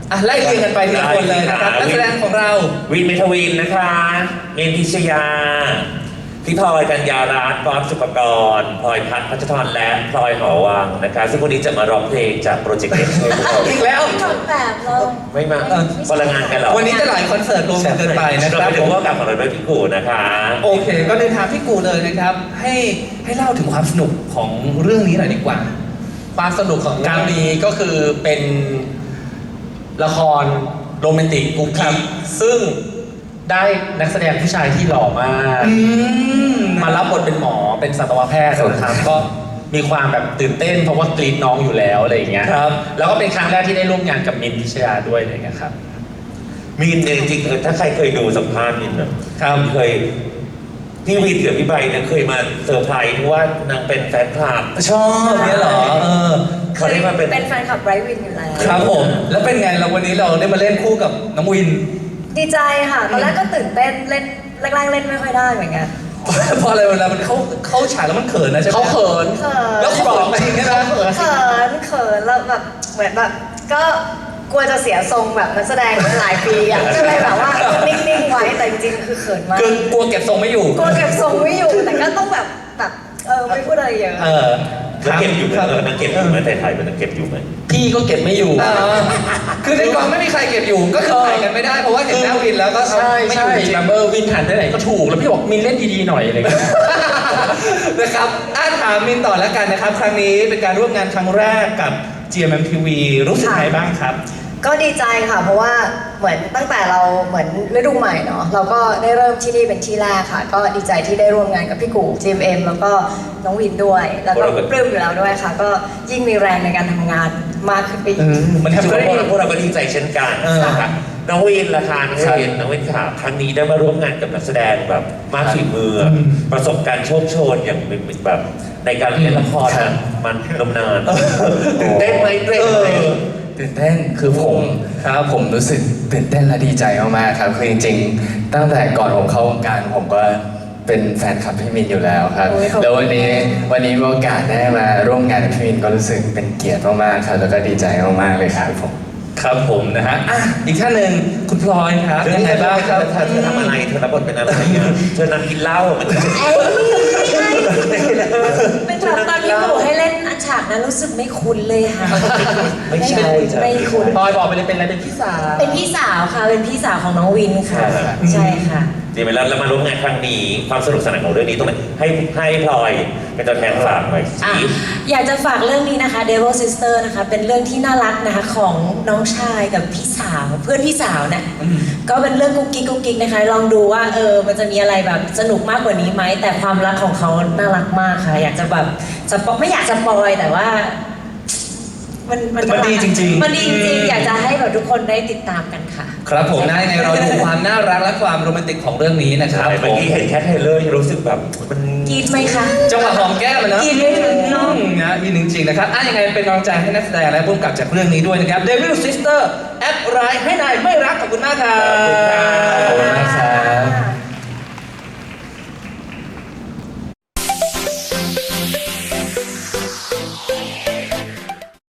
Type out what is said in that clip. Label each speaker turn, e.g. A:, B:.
A: ไล่เรียงกันไปทีละคนเลยนะครับนักแสดงของเรา
B: วินเมทวินนะคะเมนพิชยาพี่พลอยกัญญารัตน์พร้อมสุปกรพลอยพัฒน์พัชรและพลอยหอวังนะคะซึ่งวันนี้จะมาร้องเพลงจากโปรเจกต์เด็ก
A: อีกแล้ว
C: แบบเรา
B: ไม่มาพลังงานกันหรอ
A: วันนี้จะหลายคอนเสิร์ตรวมกันเกินไปนะครับ
B: เราไปดูว่ากับของเราด้วยพี่กูนะคะ
A: โอเคก็เดินทางพี่กูเลยนะครับให้เล่าถึงความสนุกของเรื่องนี้หน่อยดีกว่า
D: ความสนุกของการนี้ก็คือเป็นละครโรแมนติกกุ๊กกิ๊กซึ่งได้นักแสดงผู้ชายที่หล่อมากมารับบทเป็นหมอเป็นสัตวแพทย์นะครับก็มีความแบบตื่นเต้นเพราะว่ากรีดน้องอยู่แล้วอะไรอย่างเงี้ย
A: ครับ
D: แล้วก็เป็นครั้งแรกที่ได้ร่วมงานกับมินพิชยาด้วยอะไรอย่างเงี้ยครับ
B: มินจริงๆถ้าใครเคยดูสัมภาษณ์มินนะครับเคยพี่วินกับพี่ใบเนี่ยเคยมาเซอร์ไพรส์ว่านางเป็นแฟนคลับ
A: ชอบเนี่ยเหรอ
B: เขาได้มา
C: เป็นแฟนคลับไบรท์วินอยู่แล้ว
A: ครับผมแล้วเป็นไงเราวันนี้เราได้มาเล่นคู่กับน้องวิน
C: ดีใจค่ะตอนแรกก็ตื่นเต้นเล่นแรกๆเล่นไม่ค่อยได้เหมือนกัน
A: เพราะอะไรเวลามันเข้าฉากแล้วมันเขินนะใช่ไหม
D: เขาเขิน
A: แล้วเขาบอกจริงใช่ไหม
C: เขินแล้วแบบเหมือนแบบก็กลัวจะเสียทรงแบบนักแสดงหลายปีอ่ะก็เลยแบบว่านิ่งๆไว้แต่จริงๆคือเขินมาก
A: กลัวเก็บทรงไม่อยู่
C: กลัวเก็บทรงไม่อยู่แต่ก็ต้องแบบไม่พูดอะไรเยอะ
B: นักเก็บอยู่นักเก็บอยู่ไหมถ่ายเป็นนักเก็บอยู่ไหม
D: พี่ก็เก็บไม่อยู่
A: คือในกองไม่มีใครเก็บอยู่ก็คือถ่ายกันไม่ได้เพราะว่าเห็นหน้าวินแล้วก็
D: ไม่อยู่จริงวินหันได้ไหนก็ถูกแล้วพี่บอกมินเล่นดีๆหน่อยอะไรเงี้ย
A: นะครับถามมินต่อแล้วกันนะครับครั้งนี้เป็นการร่วมงานครั้งแรกกับ GMMTV รู้สึกไงบ้างครับ
C: ก็ดีใจค่ะเพราะว่าเหมือนตั้งแต่เราเหมือนฤดูใหม่เนาะเราก็ได้เริ่มที่นี่เป็นที่แรกค่ะก็ดีใจที่ได้ร่วมงานกับพี่กู GMM แล้วก็น้องวินด้วยแล้วก็ปลื้มอยู่แล้วด้วยค่ะก็ยิ่งมีแรงในการทำงานมากขึ้นไปอีก
B: มันทำให้พวกเราก็ดีใจเช่นกันนะคะน้องวินละค่ะน้องวินค่ะครั้งนี้ได้มาร่วมงานกับนักแสดงแบบมากฝีมือประสบการณ์โชคโชนอย่างแบบในการเล่นละครมันนมนานตื่นเต้นไหม
E: ตื่นเต้นคือผมรู้สึกตื่นเต้นและดีใจมากๆครับคือจริงๆตั้งแต่ก่อนผมเข้าวงการผมก็เป็นแฟนคลับพี่มินอยู่แล้วครับแล้ววันนี้มีโอกาสได้มาร่วมงานกับพี่มินก็รู้สึกเป็นเกียรติมากๆครับแล้วก็ดีใจมากๆเลยครับ
A: ผมนะฮะอีกท่านหนึ่งคุณพลอยครับ
B: ยังไงบ้างครับเธอทำอะไรเธอรับบทเป็นอะไรเธอนำกินเหล้ามัน
C: เป็นแบบตอนที่หนูให้เล่นฉากนั้นรู้สึกไม่คุ้นเลยค่ะ
B: ไม่ใช่
C: ไม่คุ้น
D: พลอยบอกไปเลยเป็นอะไรเป็นพี่สาว
C: เป็นพี่สาวค่ะเป็นพี่สาวของน้องวินค่ะใช่ค่ะ
B: ดีไหมแล้วมาร่วมงานครั้งนี้ความสนุกสนานของเรื่องนี้ตรงไหนให้พลอยเป็นตัวแทนฝากหน่อย
C: อยากจะฝากเรื่องนี้นะคะ Devil Sister นะคะเป็นเรื่องที่น่ารักนะคะของน้องชายกับพี่สาวเพื่อนพี่สาวนะก็เป็นเรื่องกุ๊กกิ๊กนะคะลองดูว่ามันจะมีอะไรแบบสนุกมากกว่านี้ไหมแต่ความรักของเขาน่ารักมากค่ะอยากจะแบบไม่อยากจะปอยแต่ว่า
A: มันดีจริง
C: ๆมันดีจริงๆอยากจะให้แบบทุกคนได้ติดตามกันค่ะ
A: ครับผมนะยังไงเราดูความน่ารักและความโรแมนติกของเรื่องนี้นะครับ
B: เมื่อกี้เห็นแค่เทเลอร์รู้สึกแบบมัน
C: กรี๊ดไหมคะ
A: จังหวะหอมแก้มมันนะ
C: กรี๊ดเลยน้อง
A: นะยินจริงๆนะครับยังไงเป็นกำลังใจให้นักแสดงและผู้กำกับจากเรื่องนี้ด้วยนะครับ Devil Sister แอปร้ายให้นายไม่รักขอบคุณมากครับ